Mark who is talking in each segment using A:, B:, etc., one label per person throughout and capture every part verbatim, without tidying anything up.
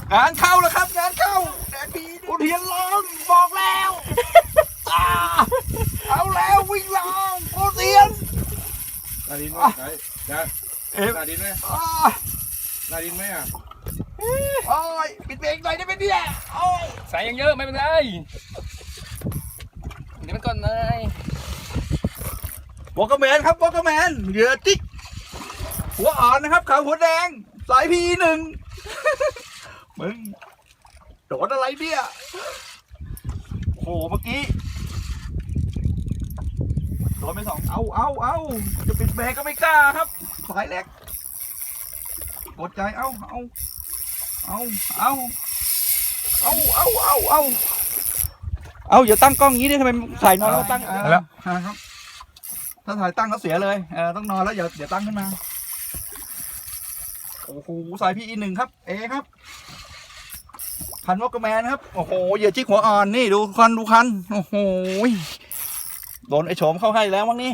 A: งานเข้าแล้วครับงานเข้าแดงดีอุเทียนร้องบอกแล้วเอาแล้ววิ่งลองอุเทียน
B: นาดินไหมไหนนะนาดินไหมนาดินไหมอ่ะ
A: โอ้ยปิดเบรกหน่อยได้ไหมเนี่ยโอ้ย
C: ใส่ยังเยอะไม่เป็นไรเดี๋ยวมันก่อนเลยว
A: อลเกอร์แมนครับวอลเกอร์แมนเหยื่อจิ๊กหัวอ่อนนะครับขาวหัวแดงสายพีหนึ่งมึงโดนอะไรเนี่ยโอ้โหเมื่อกี้โดนไปสองเอาเอาเอาจะปิดเบรกก็ไม่กล้าครับสายเล็กกดใจเอาเอาเอาเอาเอาเอาเอาเอาเอาอย่าตั้งกล้องงี้ดิทำไมถ่ายนอนแล้วตั้งแล้วครับถ้าถ่ายตั้งก็เสียเลยเออต้องนอนแล้วอย่าอย่าตั้งขึ้นมาโอ้โหสายพี่อีหนึ่งครับเอครับคันวอลเกอร์แมนครับโอ้โหเหยื่อจิ๊กหัวอ่อนนี่ดูคันดูคันโอ้โหโดนไอ้โฉมเข้าให้แล้วมั้งนี่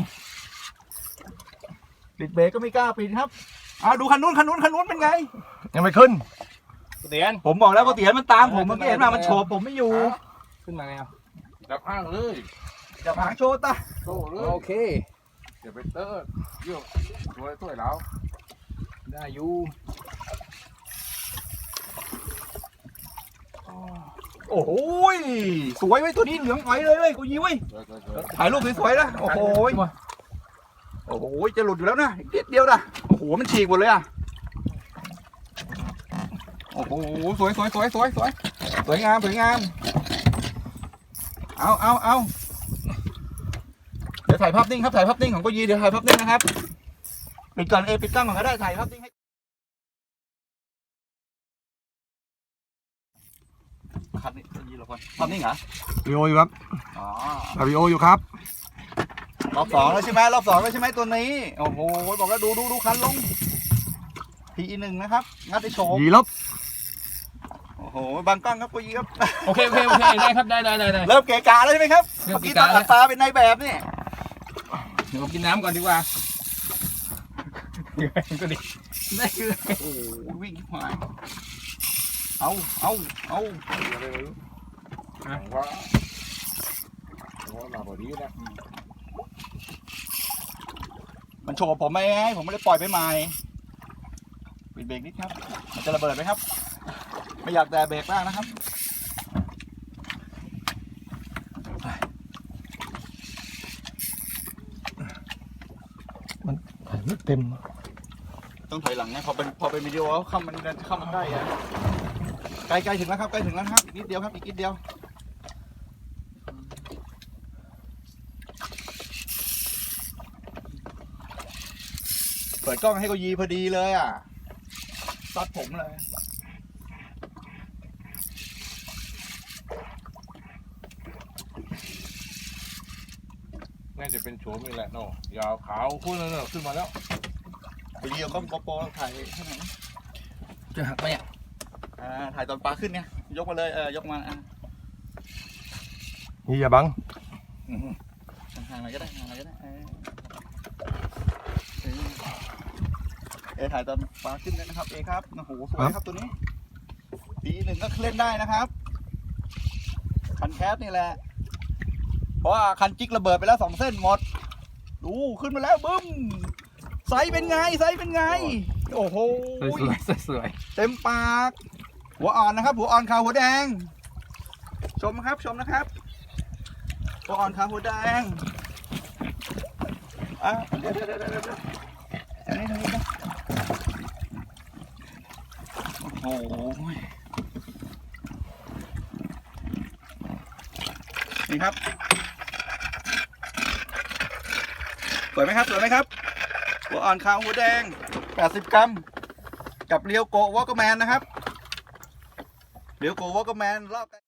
A: ปิดเบรกก็ไม่กล้าปิดครับอ่าดูคันนู้นคันนู้นคันนู้นเป็นไง
B: ยังไม่ขึ้น
C: เตียน
A: ผมบอกแล้วว่าเตียนมันตามผมเมื่อกี้เห็นมามันโฉบผมไม่อยู่
C: ขึ้นมาไงอ่ะ
B: จับห้างเลย
A: จะผางโชว์ตา
B: โชว์เลย
C: โอเค
B: เดี๋ยวไปเตอร์เยอะสวยสวยแล้ว
C: ได้อยู่
A: โอ้โหสวยไว้ตัวนี้เหลืองอ๋อยเลยเลยกูยิ้วไว้ถ่ายรูปสวยๆนะโอ้โหโอ้โหจะหลุดอยู่แล้วนะนิดเดียวนะโอ้โหมันฉีกหมดเลยอ่ะโอ้โหสวยสวยสวยสวยสวยสวยงามสวยงามเอาเอาเอาเดี๋ยวถ่ายภาพนิ่งครับถ่ายภาพนิ่งของกูยีเดี๋ยวถ่ายภาพนิ่งนะครับปิดก่อนเอปิดกล้องก่อนก็ได้ถ่ายภาพนิ่งให้ครับนี่ยีเราก่อนภาพนิ่งเหรอ
B: วิโออยู่ครับ
A: อ๋อ
B: วิโออยู่ครับ
A: รอบสองแล้วใช่ไหมรอบสองแล้วใช่ไหมตัวนี้โอ้โหบอกแล้วดูดูดูคันลงทีหนึ่งนะครับงัดไอโฉม
B: ยีลบ
A: โอ้โหบางกล้องครับกูยีครับ
C: โอเคโอเคโอเคได้ครับได้ได้ได้
A: เริ่มเกะกะแล้วใช่ไหมครับเมื่อกี้ตาตาเป็นนายแบบนี่
C: เดี๋ยวกินน้ำก่อนดีกว่าก็ดีได้คือ
A: โอ้วิ่งมาเอาเอาเอา
B: ว่าว่ามาพอดีนะ
A: มันโฉบผมไหมผมไม่ได้ปล่อยไปใหม่ปิดเบรกนิดครับมันจะระเบิดไหมครับไม่อยากแต่เบรกมากนะครับ
B: มันถ่ายไม่เต็ม
A: ต้องถอยหลังนะพอเป็นพอเป็นวิดีโอเข้ามันเข้ามันได้อะใกล้ใกล้ถึงแล้วครับใกล้ถึงแล้วครับอีกนิดเดียวครับอีกนิดเดียวเปิดกล้องให้เขายีพอดีเลยอ่ะซัดผมเลย
B: น่าจะเป็นโฉมนี่แหละเนาะยาวขาวขึ้นแล้วเนาะขึ้นมาแล้ว
A: ไปเดียวก็โปโปถ่ายข้างไหน
C: จะหักไหมอ่ะ
A: อ่าถ่ายตอนปลาขึ้นเนี่ยยกมาเลยเออยกมาอ่ะ
B: นี่อย่าบัง
A: ห่างๆหน่อยก็ได้ห่างๆหน่อยก็ได้เออเอถ่ายตอนปลาขึ้นเลยนะครับเอครับโอ้โหสวยครับตัวนี้ปีหนึ่งก็เล่นได้นะครับคันแคสนี่แหละเพราะว่าคันจิกระเบิดไปแล้วสองเส้นหมดดูขึ้นมาแล้วบึ้มไซส์เป็นไงไซส์เป็นไงโอ้โห
C: สวยสวย
A: เต็มปากหัวอ่อนนะครับหัวอ่อนขาวหัวแดงชมครับชมนะครับหัวอ่อนขาวหัวแดงอ่ะเดี๋ยวเดี๋ยวเดี๋ยวเดี๋ยวอันนี้ทางนี้นะโอ้โหนี่ครับสวยไหมครับสวยไหมครับหัวอ่อนขาวหัวแดงแปดสิบกรัมกับเรียวโกวอลเกอร์แมนนะครับเรียวโกวอลเกอร์แมนรอบ